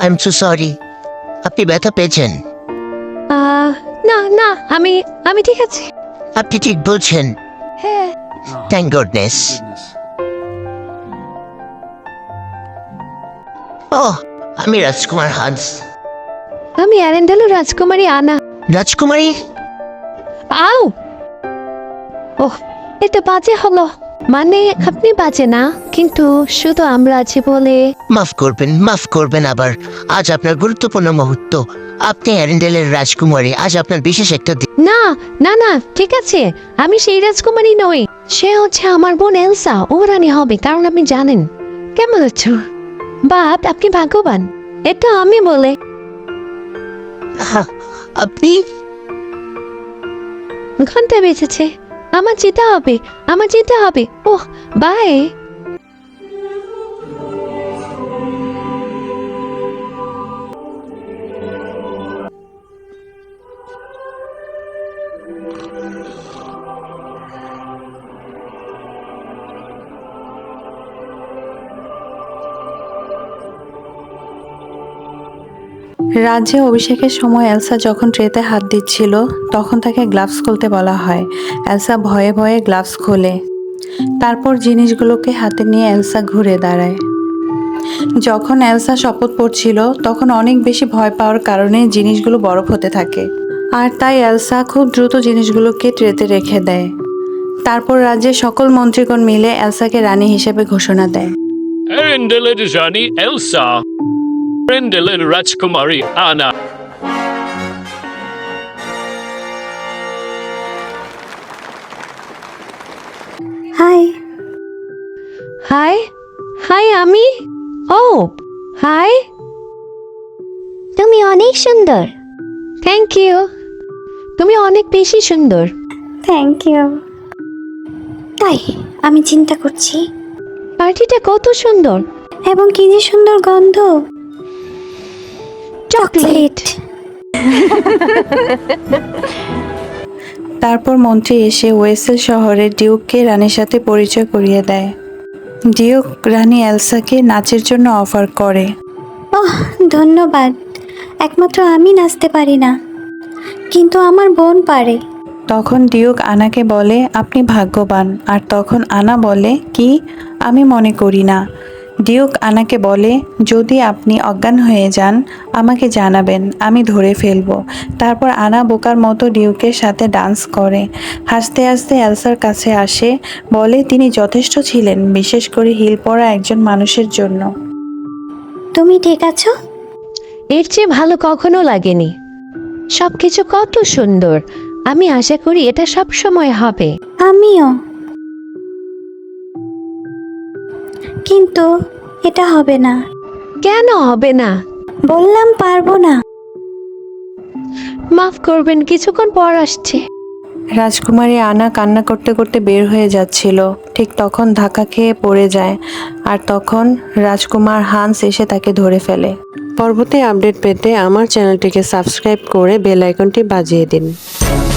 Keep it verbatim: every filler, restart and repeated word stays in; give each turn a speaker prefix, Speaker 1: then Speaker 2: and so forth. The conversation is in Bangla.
Speaker 1: I am so sorry. আপনি ব্যথা পেয়েছেন?
Speaker 2: আহ, না না আমি আমি ঠিক আছি।
Speaker 1: আপনি ঠিক বলছেন।
Speaker 2: হ্যাঁ।
Speaker 1: Thank goodness. ও, আমি রাজকুমার হান্স।
Speaker 2: আমি অ্যারেন্ডেলো রাজকুমারী আনা।
Speaker 1: রাজকুমারী?
Speaker 2: আও, ওহ, এটা বাজে হলো। মানে আপনি বাজে না, কিন্তু শুধু আমরা আছি বলে।
Speaker 1: মাফ করবেন, মাফ করবেন। আবার আজ আপনার গুরুত্বপূর্ণ মুহূর্ত। আপনি অ্যারেন্ডেলের রাজকুমারী। আজ আপনার বিশেষ একটা দিন।
Speaker 2: না না না ঠিক আছে, আমি সেই রাজকুমারী নই। সে হচ্ছে আমার বোন এলসা। ও রানী হবে, কারণ আপনি জানেন। কেমন আছো? বাপ, আপনি ভাগ্যবান। এটা আমি বলে।
Speaker 1: আহা, আপনি?
Speaker 2: ঘন্টা বেঁচেছে। আমার যেতে হবে, আমার যেতে হবে। Oh, bye.
Speaker 3: রাজ্যে অভিষেকের সময় এলসা যখন ট্রেতে হাত দিচ্ছিল তখন তাকে গ্লাভস খুলতে বলা হয়। এলসা ভয়ে ভয়ে গ্লাভস খোলে। তারপর জিনিসগুলোকে হাতে নিয়ে এলসা ঘুরে দাঁড়ায়। যখন এলসা শপথ পড়ছিল তখন অনেক বেশি ভয় পাওয়ার কারণে জিনিসগুলো বরফ হতে থাকে, আর তাই এলসা খুব দ্রুত জিনিসগুলোকে ট্রেতে রেখে দেয়। তারপর রাজ্যের সকল মন্ত্রীগণ মিলে এলসাকে রানী হিসেবে ঘোষণা দেয়।
Speaker 4: অ্যারেন্ডেলের রানী এলসা, অ্যারেন্ডেলের রাজকুমারী আনা।
Speaker 5: হাই।
Speaker 2: হাই হাই আমি। Oh hi.
Speaker 5: তুমি অনেক সুন্দর।
Speaker 2: Thank you. তুমি অনেক বেশি সুন্দর।
Speaker 5: Thank you. তাই আমি চিন্তা করছি,
Speaker 2: পার্টিটা কত সুন্দর।
Speaker 5: এবং কি যে সুন্দর গন্ধ।
Speaker 2: চকলেট।
Speaker 3: তারপর মন্ত্রী এসে ওয়েসেল শহরে ডিউককে রানীর সাথে পরিচয় করিয়ে দেয়। ডিউক রানী এলসাকে নাচের জন্য অফার করে।
Speaker 5: ওহ, ধন্যবাদ। একমাত্র আমি নাচতে পারি না, কিন্তু আমার বোন পারে।
Speaker 3: তখন ডিউক আনাকে বলে আপনি ভাগ্যবান, আর তখন আনা বলে কি আমি মনে করি না। ডিউক আনাকে বলে যদি আপনি অজ্ঞান হয়ে যান আমাকে জানাবেন, আমি ধরে ফেলবো। তারপর আনা বোকার মতো ডিউকের সাথে ডান্স করে। হাসতে হাসতে এলসার কাছে আসে, বলে তিনি যথেষ্ট ছিলেন, বিশেষ করে হিল পরা একজন মানুষের জন্য।
Speaker 5: তুমি ঠিক আছো?
Speaker 2: এর চেয়ে ভালো কখনো লাগেনি। সবকিছু কত সুন্দর। আমি আশা করি এটা সব সময় হবে।
Speaker 5: আমিও, কিন্তু এটা হবে না।
Speaker 2: কেন হবে না?
Speaker 5: বললাম পারবো না।
Speaker 2: মাফ করবেন, কিছুক্ষণ পর আসছে।
Speaker 3: রাজকুমারী আনা কান্না করতে করতে বের হয়ে যাচ্ছিল, ঠিক তখন ধাক্কা খেয়ে পড়ে যায়, আর তখন রাজকুমার হান্স এসে তাকে ধরে ফেলে।
Speaker 6: পরবর্তী আপডেট পেতে আমার চ্যানেলটিকে সাবস্ক্রাইব করে বেল আইকনটি বাজিয়ে দিন।